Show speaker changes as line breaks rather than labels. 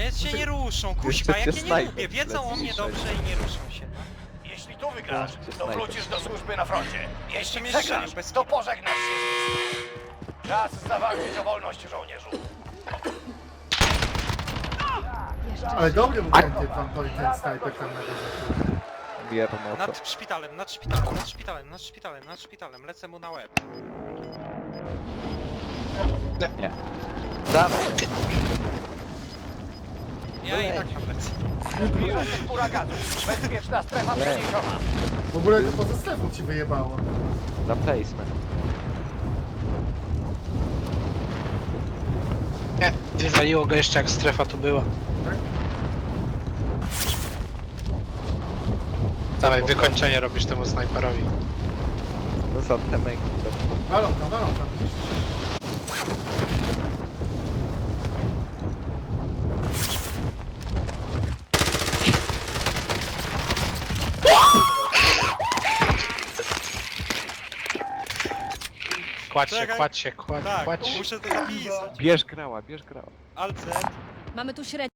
jest się nie ruszą, kuźwa, jak ja nie lubię, wiedzą o mnie dobrze i nie ruszą się, no.
Jeśli tu wygrasz, to
snajper.
wrócisz do służby na froncie. Jeśli
mnie
przegrasz,
strzelił bez
to
kitu.
pożegnasz się. Czas zawalczyć o wolność, żołnierzu.
Ale dobry był ten typ tam, ten snajper tam na górze.
Wierno to.
Nad szpitalem, nad szpitalem, nad szpitalem, nad szpitalem, nad szpitalem, lecę mu na łeb.
Nie. Dawaj.
Ja i tak tam lecę.
Zbliża się huraganu. Bezpieczna strefa przeniesiona.
W ogóle to poza strefą ci wyjebało.
Za placement.
Nie, wywaliło go jeszcze jak strefa tu była.
Tak?
Dawaj, wykończenie robisz temu snajperowi.
No za te męki.
Walą tam.
Kładź się,
Czekaj.
kładź się,
Tak,
kładź.
muszę to zapisać.
Bierz grała, bierz grała.
Alt Z.
Mamy tu średnią.